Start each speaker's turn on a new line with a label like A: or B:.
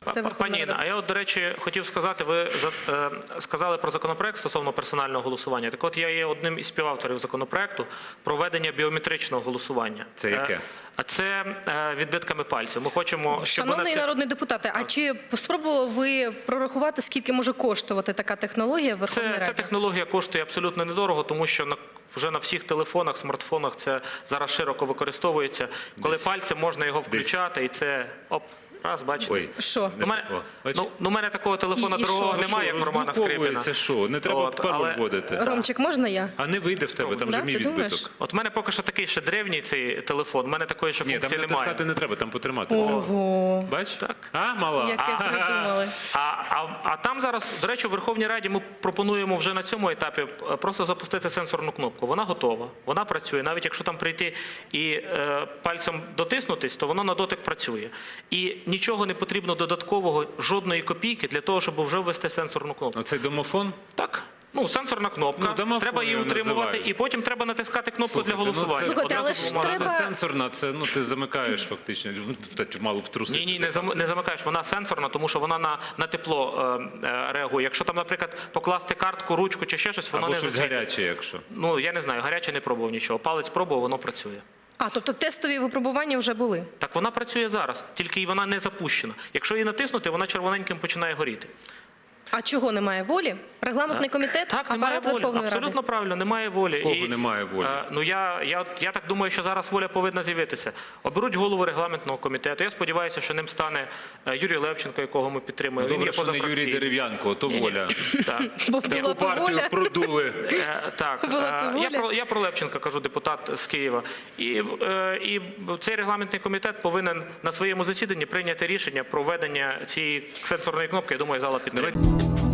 A: Це
B: Пані Інна, а я, до речі, хотів сказати, ви сказали про законопроект стосовно персонального голосування. Так от я є одним із співавторів законопроекту про введення біометричного голосування.
C: Це яке?
B: А це відбитками пальців. Ми хочемо, щоб
A: Шановний народний депутате, а чи спробували ви прорахувати, скільки може коштувати така технологія в Верховній Раді?
B: Ця технологія коштує абсолютно недорого, тому що вже на всіх телефонах, смартфонах це зараз широко використовується. Коли пальцем можна його включати, і це раз, бачите.
C: Ой.
A: Що?
B: У мене такого телефона
A: І
B: дорогого
A: що?
B: немає, як в Романа Скрипіна.
C: Це що? Не треба пароль вводити.
A: Ромчик, можна я?
C: А не вийде в тебе, там же
A: Да?
C: мій
A: Ти думаєш?
C: відбиток.
B: От в мене поки що такий ще древній цей телефон, в мене такої ще
C: Ні, там
B: функції
C: натискати
B: немає.
C: не треба, там потримати треба.
A: Ого.
C: Бач?
B: Так.
C: А, мала?
A: Яке придумали.
B: А там зараз, до речі, у Верховній Раді ми пропонуємо вже на цьому етапі просто запустити сенсорну кнопку. Вона готова, вона працює. Навіть якщо там прийти і пальцем дотиснутись, то воно на дотик працює. І нічого не потрібно додаткового, жодної копійки для того, щоб вже ввести сенсорну кнопку.
C: Оцей домофон?
B: Так. Ну, сенсорна кнопка,
C: Ну, домофон
B: треба її
C: його
B: утримувати,
C: називають.
B: і потім треба натискати кнопку
C: Слухайте,
B: для голосування.
A: Слухайте, але
B: Одразу
A: ж
B: вона-
A: треба-
C: Не сенсорна, це ти замикаєш фактично. Мало б трусити.
B: Ні, не замикаєш, вона сенсорна, тому що вона на тепло реагує. Якщо там, наприклад, покласти картку, ручку чи ще щось, воно
C: Або
B: не
C: щось
B: засвітить.
C: гаряче, якщо.
B: Ну, я не знаю, гаряче не пробував нічого. Палець пробував, воно працює.
A: А, тобто тестові випробування вже були?
B: Так вона працює зараз, тільки вона не запущена. Якщо її натиснути, вона червоненьким починає горіти.
A: А чого немає волі? Регламентний комітет,
B: Так, немає
A: апарат
B: волі.
A: Верховної Ради?
B: Абсолютно правильно, немає волі.
C: В кого немає волі?
B: Ну, я так думаю, що зараз воля повинна з'явитися. Оберуть голову регламентного комітету. Я сподіваюся, що ним стане Юрій Левченко, якого ми підтримуємо. Він
C: Добре,
B: є
C: що не Юрій
B: позафракційний.
C: Дерев'янко, то воля.
B: Так.
A: Бо була
C: Яку
A: б
C: партію
A: воля.
C: продули.
B: Так,
A: Була б воля.
B: я про Левченка кажу, депутат з Києва. І цей регламентний комітет повинен на своєму засіданні прийняти рішення про введення цієї сенсорної кнопки. Я думаю, зала підтримує.